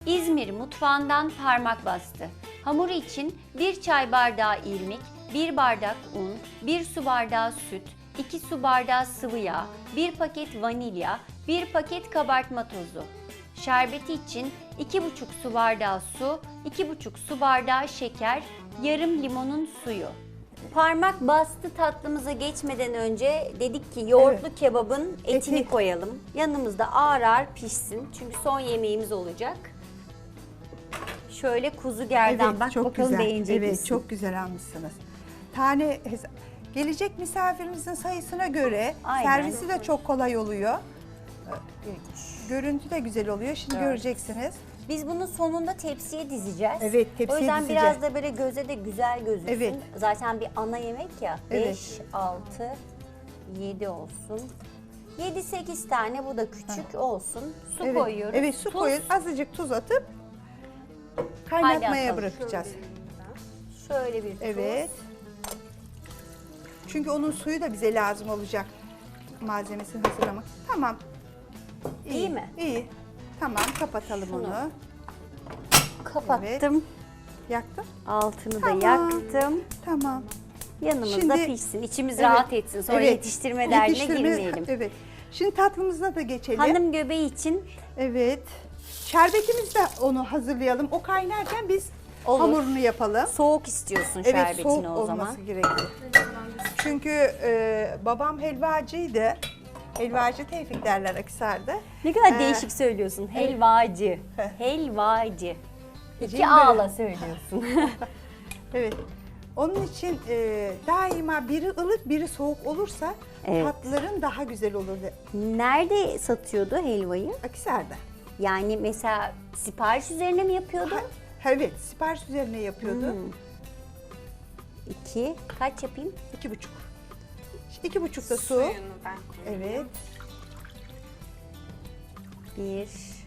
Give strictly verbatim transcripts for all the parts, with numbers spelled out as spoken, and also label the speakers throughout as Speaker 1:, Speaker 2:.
Speaker 1: İzmir mutfağından parmak bastı. Hamuru için bir çay bardağı irmik, bir bardak un, bir su bardağı süt, iki su bardağı sıvı yağ, bir paket vanilya, bir paket kabartma tozu. Şerbeti için iki buçuk su bardağı su, iki buçuk su bardağı şeker, yarım limonun suyu. Parmak bastı tatlımıza geçmeden önce dedik ki yoğurtlu
Speaker 2: Evet.
Speaker 1: kebabın etini
Speaker 2: Eti.
Speaker 1: koyalım. Yanımızda ağır ağır pişsin çünkü son yemeğimiz olacak. Şöyle kuzu gerdan, bak
Speaker 2: çok
Speaker 1: bakalım
Speaker 2: güzel.
Speaker 1: beğenecek
Speaker 2: Evet,
Speaker 1: misin?
Speaker 2: çok güzel almışsınız. Tane hesa- gelecek misafirimizin sayısına göre
Speaker 1: Aynen.
Speaker 2: servisi de çok kolay oluyor. Görüntü de güzel oluyor. Şimdi
Speaker 1: Evet.
Speaker 2: göreceksiniz.
Speaker 1: Biz bunun sonunda tepsiye dizeceğiz.
Speaker 2: Evet,
Speaker 1: O
Speaker 2: tepsiye
Speaker 1: yüzden
Speaker 2: dizeceğiz.
Speaker 1: biraz da böyle göze de güzel gözüksün.
Speaker 2: Evet.
Speaker 1: Zaten bir ana yemek ya.
Speaker 2: Evet.
Speaker 1: beş, altı, yedi olsun. yedi sekiz tane, bu da küçük olsun. Su
Speaker 2: Evet.
Speaker 1: koyuyoruz.
Speaker 2: Evet, su
Speaker 1: Tuz.
Speaker 2: koyuyoruz. Azıcık tuz atıp
Speaker 1: Hadi
Speaker 2: kaynatmaya
Speaker 1: atalım.
Speaker 2: bırakacağız.
Speaker 1: Şöyle bir tuz.
Speaker 2: Evet. Çünkü onun suyu da bize lazım olacak. Malzemesini hazırlamak. Tamam.
Speaker 1: İyi mi?
Speaker 2: İyi. Tamam, kapatalım
Speaker 1: Şunu.
Speaker 2: onu.
Speaker 1: Kapattım.
Speaker 2: Yaktım.
Speaker 1: Altını
Speaker 2: Tamam.
Speaker 1: da yaktım.
Speaker 2: Tamam.
Speaker 1: Yanımızda
Speaker 2: Şimdi-
Speaker 1: pişsin. İçimiz
Speaker 2: Evet.
Speaker 1: rahat etsin. Sonra
Speaker 2: Evet.
Speaker 1: yetiştirme derdine
Speaker 2: Yetiştirme-
Speaker 1: girmeyelim.
Speaker 2: Evet. Şimdi tatlımıza da geçelim.
Speaker 1: Hanım göbeği için
Speaker 2: Evet. Şerbetimiz de onu hazırlayalım. O kaynarken biz
Speaker 1: Olur.
Speaker 2: hamurunu yapalım.
Speaker 1: soğuk istiyorsun
Speaker 2: Evet,
Speaker 1: şerbetini
Speaker 2: soğuk
Speaker 1: o
Speaker 2: olması
Speaker 1: zaman.
Speaker 2: gerekiyor. Çünkü e, babam helvacıydı. Helvacı Tevfik derler Akhisar'da.
Speaker 1: Ne kadar
Speaker 2: Ee,
Speaker 1: değişik söylüyorsun. Helvacı.
Speaker 2: Heh.
Speaker 1: Helvacı. İki
Speaker 2: Cimri.
Speaker 1: ağla söylüyorsun.
Speaker 2: Evet. Onun için e, daima biri ılık, biri soğuk olursa
Speaker 1: Evet.
Speaker 2: tatlıların daha güzel olur.
Speaker 1: Nerede satıyordu helvayı?
Speaker 2: Akhisar'da.
Speaker 1: Yani mesela sipariş üzerine mi yapıyordu?
Speaker 2: Ha, evet, sipariş üzerine yapıyordu.
Speaker 1: Hmm. İki. Kaç yapayım?
Speaker 2: İki buçuk. İki buçuk da su.
Speaker 3: Suyunu ben koyuyorum.
Speaker 2: Evet.
Speaker 1: Bir.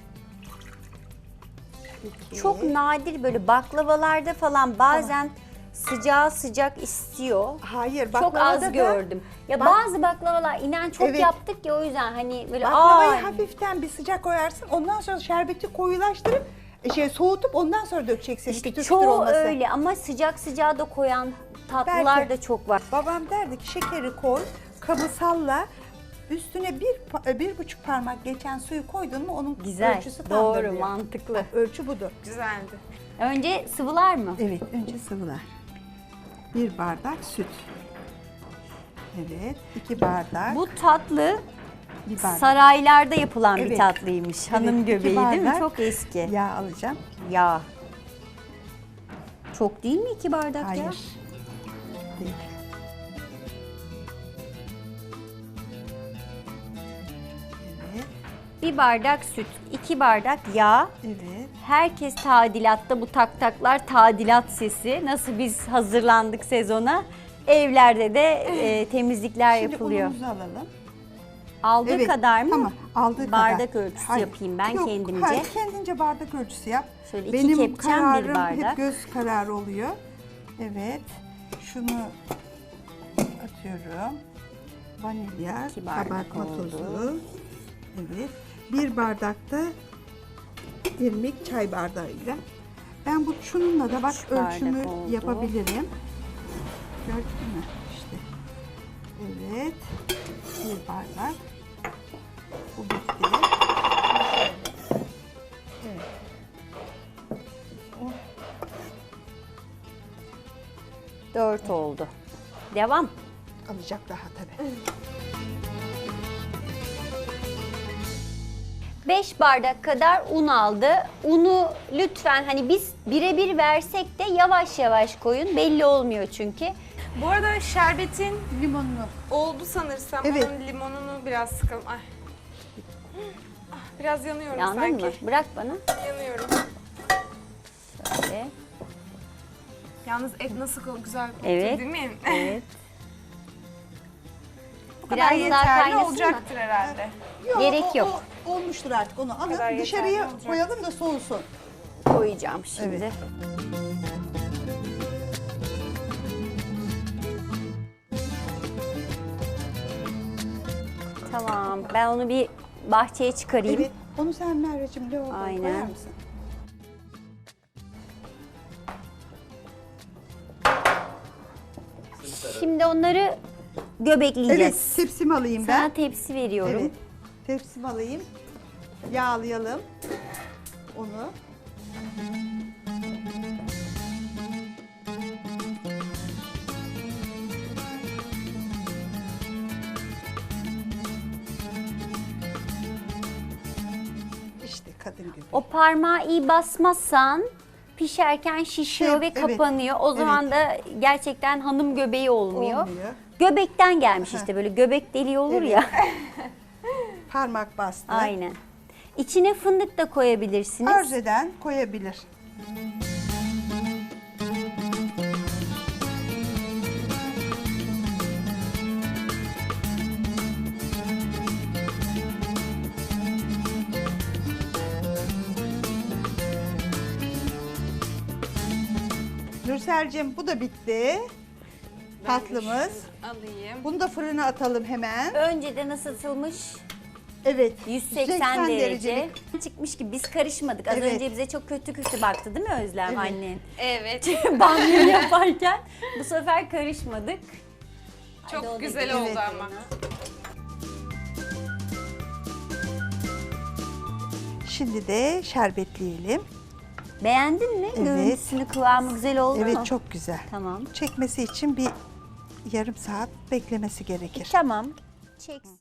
Speaker 2: iki.
Speaker 1: Çok nadir böyle baklavalarda falan bazen sıcağı sıcak istiyor.
Speaker 2: Hayır,
Speaker 1: Çok
Speaker 2: baklavada
Speaker 1: az
Speaker 2: da
Speaker 1: gördüm. Ya
Speaker 2: Bak-
Speaker 1: bazı baklavalar inen çok
Speaker 2: Evet.
Speaker 1: yaptık ya, o yüzden hani böyle
Speaker 2: Baklavayı
Speaker 1: aa
Speaker 2: hafiften bir sıcak koyarsın. Ondan sonra şerbeti koyulaştırıp e, şey soğutup ondan sonra dökeceksin.
Speaker 1: işte
Speaker 2: kütür kütür
Speaker 1: çoğu
Speaker 2: olması.
Speaker 1: öyle ama sıcak sıcağı da koyan tatlılar
Speaker 2: Belki.
Speaker 1: da çok var.
Speaker 2: Babam derdi ki şekeri koy, kabı salla. Üstüne bir pa- bir buçuk parmak geçen suyu koydun mu onun
Speaker 1: Güzel,
Speaker 2: ölçüsü tamdır
Speaker 1: doğru,
Speaker 2: diyor.
Speaker 1: mantıklı.
Speaker 2: Ölçü budur.
Speaker 3: Güzeldi.
Speaker 1: Önce sıvılar mı?
Speaker 2: Evet, önce sıvılar. Bir bardak süt. Evet, iki bardak.
Speaker 1: Bu tatlı
Speaker 2: bir bardak.
Speaker 1: saraylarda yapılan bir
Speaker 2: Evet.
Speaker 1: tatlıymış. Hanım
Speaker 2: iki
Speaker 1: göbeği değil mi?
Speaker 2: bardak
Speaker 1: Çok eski.
Speaker 2: Yağ alacağım.
Speaker 1: Yağ. Çok değil mi iki bardak ya?
Speaker 2: Hayır. Değil. Evet,
Speaker 1: Bir bardak süt, iki bardak yağ.
Speaker 2: evet.
Speaker 1: Herkes tadilatta, bu tak taklar tadilat sesi. Nasıl biz hazırlandık sezona? Evlerde de e, temizlikler
Speaker 2: Şimdi
Speaker 1: yapılıyor.
Speaker 2: unumuzu alalım.
Speaker 1: Aldığı
Speaker 2: Evet,
Speaker 1: kadar mı?
Speaker 2: Tamam, aldığı
Speaker 1: Bardak
Speaker 2: kadar.
Speaker 1: ölçüsü
Speaker 2: Hayır,
Speaker 1: yapayım ben
Speaker 2: yok,
Speaker 1: kendimce.
Speaker 2: Hayır, kendince bardak ölçüsü yap.
Speaker 1: Şöyle iki
Speaker 2: Benim
Speaker 1: kepçem, bir
Speaker 2: kararım
Speaker 1: bardak.
Speaker 2: hep göz kararı oluyor. Evet, şunu atıyorum. Vanilya,
Speaker 1: İki bardak
Speaker 2: kabartma
Speaker 1: oldu.
Speaker 2: tozu. Evet, bir bardakta irmik çay bardağıyla. Ben bu şununla da bak
Speaker 1: Üç bardak
Speaker 2: ölçümü
Speaker 1: oldu.
Speaker 2: yapabilirim. Gördün mü? İşte. Evet, bir bardak. Bu bitti. Evet. O
Speaker 1: Dört oldu. Devam.
Speaker 2: alacak daha tabii.
Speaker 1: Beş bardak kadar un aldı. Unu lütfen hani biz birebir versek de yavaş yavaş koyun. Belli olmuyor çünkü.
Speaker 3: Bu arada şerbetin
Speaker 2: Limonunu.
Speaker 3: oldu sanırsam.
Speaker 2: Evet.
Speaker 3: Onun limonunu biraz sıkalım. Ay. Ah, biraz yanıyorum
Speaker 1: Yandın
Speaker 3: sanki.
Speaker 1: mı? Bırak bana.
Speaker 3: Yanıyorum.
Speaker 1: Şöyle.
Speaker 3: Yalnız et nasıl ko- güzel koktu
Speaker 1: Evet.
Speaker 3: değil mi?
Speaker 1: Evet.
Speaker 3: Bu kadar
Speaker 1: Biraz daha
Speaker 3: yeterli
Speaker 1: kaynasın mı?
Speaker 3: olacaktır herhalde.
Speaker 1: Gerek
Speaker 2: o-
Speaker 1: yok.
Speaker 2: o- olmuştur artık onu
Speaker 3: kadar
Speaker 2: alın
Speaker 3: yeterli
Speaker 2: dışarıya
Speaker 3: olacak.
Speaker 2: koyalım da soğusun.
Speaker 1: Koyacağım şimdi.
Speaker 2: Evet.
Speaker 1: Tamam. Ben onu bir bahçeye çıkarayım.
Speaker 2: Evet. Onu sen Merveciğim lavaboya
Speaker 1: Aynen.
Speaker 2: koyar mısın?
Speaker 1: Şimdi onları göbekleyeceğiz.
Speaker 2: Evet, tepsimi alayım ben.
Speaker 1: Sana tepsi veriyorum.
Speaker 2: Evet, tepsimi alayım. Yağlayalım onu. İşte kadın gibi.
Speaker 1: O parmağı iyi basmazsan pişerken şişiyor
Speaker 2: Şey,
Speaker 1: ve
Speaker 2: evet,
Speaker 1: kapanıyor. O zaman da gerçekten hanım göbeği olmuyor.
Speaker 2: Olmuyor.
Speaker 1: Göbekten gelmiş
Speaker 2: Heh.
Speaker 1: işte, böyle göbek deliği olur
Speaker 2: Evet.
Speaker 1: ya.
Speaker 2: Parmak bastı.
Speaker 1: Aynen. İçine fındık da koyabilirsiniz.
Speaker 2: Arzu eden koyabilir. Nursel'cim bu da bitti. Tatlımız.
Speaker 3: Alayım.
Speaker 2: Bunu da fırına atalım hemen.
Speaker 1: Önceden ısıtılmış
Speaker 2: Evet.
Speaker 1: yüz seksen derece çıkmış gibi, biz karışmadık. Az
Speaker 2: Evet.
Speaker 1: önce bize çok kötü kötü baktı değil mi Özlem
Speaker 2: Evet.
Speaker 1: annen?
Speaker 3: Evet.
Speaker 1: Banyo yaparken bu sefer karışmadık. Hadi o da
Speaker 3: Çok güzel
Speaker 1: gelin.
Speaker 3: oldu
Speaker 2: Evet.
Speaker 3: ama.
Speaker 2: Şimdi de şerbetleyelim.
Speaker 1: Beğendin mi?
Speaker 2: Evet.
Speaker 1: Görüntüsünü, kıvamı güzel oldu mu?
Speaker 2: Evet, çok güzel.
Speaker 1: Tamam.
Speaker 2: Çekmesi için bir yarım saat beklemesi gerekir.
Speaker 1: Tamam. Çeksin.